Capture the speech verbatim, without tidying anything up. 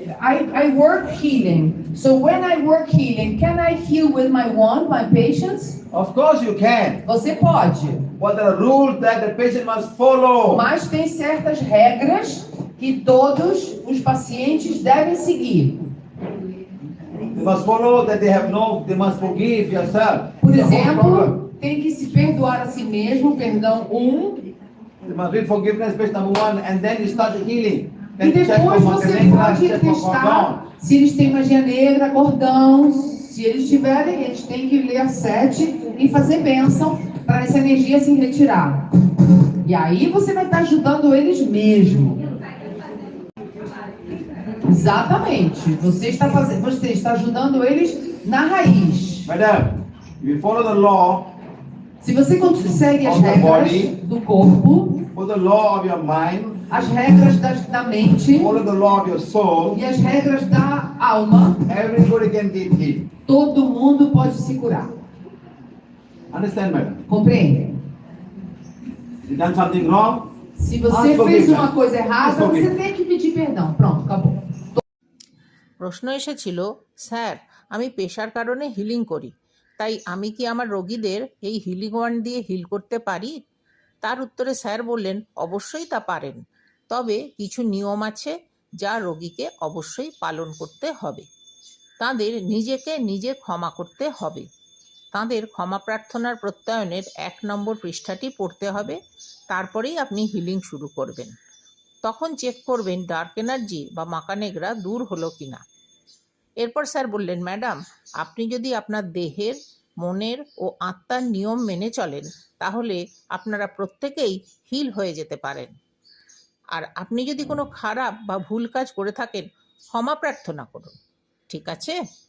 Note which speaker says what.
Speaker 1: I, I work healing. So when I work healing, can I heal with my wand, my patients?
Speaker 2: Of course you can.
Speaker 1: Você pode.
Speaker 2: But there are rules that the patient must follow.
Speaker 1: Mas tem certas regras que todos os pacientes devem seguir.
Speaker 2: They must follow that they have no, they must forgive yourself.
Speaker 1: Por
Speaker 2: The whole problem.
Speaker 1: exemplo, tem que se perdoar a si mesmo, perdão um.
Speaker 2: You must read forgiveness page number one, and then you start the healing.
Speaker 1: E depois você pode testar se eles têm magia negra, cordão. Se eles tiverem, eles têm que ler sete e fazer bênção para essa energia se retirar. E aí você vai estar ajudando eles mesmo. Exatamente. Você está fazendo, você está ajudando eles na raiz.
Speaker 2: Madam, if you follow the law,
Speaker 1: se você segue as regras do corpo,
Speaker 2: follow the law of your mind,
Speaker 1: as regras da, da mente,
Speaker 2: follow the law of your soul,
Speaker 1: e as regras da alma,
Speaker 2: everybody can get healed.
Speaker 1: Todo mundo pode se curar.
Speaker 2: Understand, madam?
Speaker 1: Compreende?
Speaker 2: You done something wrong?
Speaker 1: Se você fez uma coisa errada, você tem que pedir perdão. Pronto, acabou.
Speaker 3: প্রশ্ন এসেছিল, sir আমি পেশার কারণে healing করি, তাই আমি কি আমার রোগীদের এই হিলিং ওয়ান্ড দিয়ে হিল করতে পারি? তার উত্তরে স্যার বললেন, অবশ্যই তা পারেন, তবে কিছু নিয়ম আছে যা রোগীকে অবশ্যই পালন করতে হবে। তাদের নিজেকে নিজে ক্ষমা করতে হবে। তাদের ক্ষমা প্রার্থনার প্রত্যয়নের এক নম্বর পৃষ্ঠাটি পড়তে হবে, তারপরেই আপনি হিলিং শুরু করবেন। তখন চেক করবেন ডার্ক এনার্জি বা মাকানেগরা দূর হলো কিনা। এরপর স্যার বললেন, ম্যাডাম আপনি যদি আপনার দেহের, মনের ও আত্মার নিয়ম মেনে চলেন, তাহলে আপনারা প্রত্যেকেই হিল হয়ে যেতে পারেন। আর আপনি যদি কোনো খারাপ বা ভুল কাজ করে থাকেন, ক্ষমা প্রার্থনা করুন। ঠিক আছে?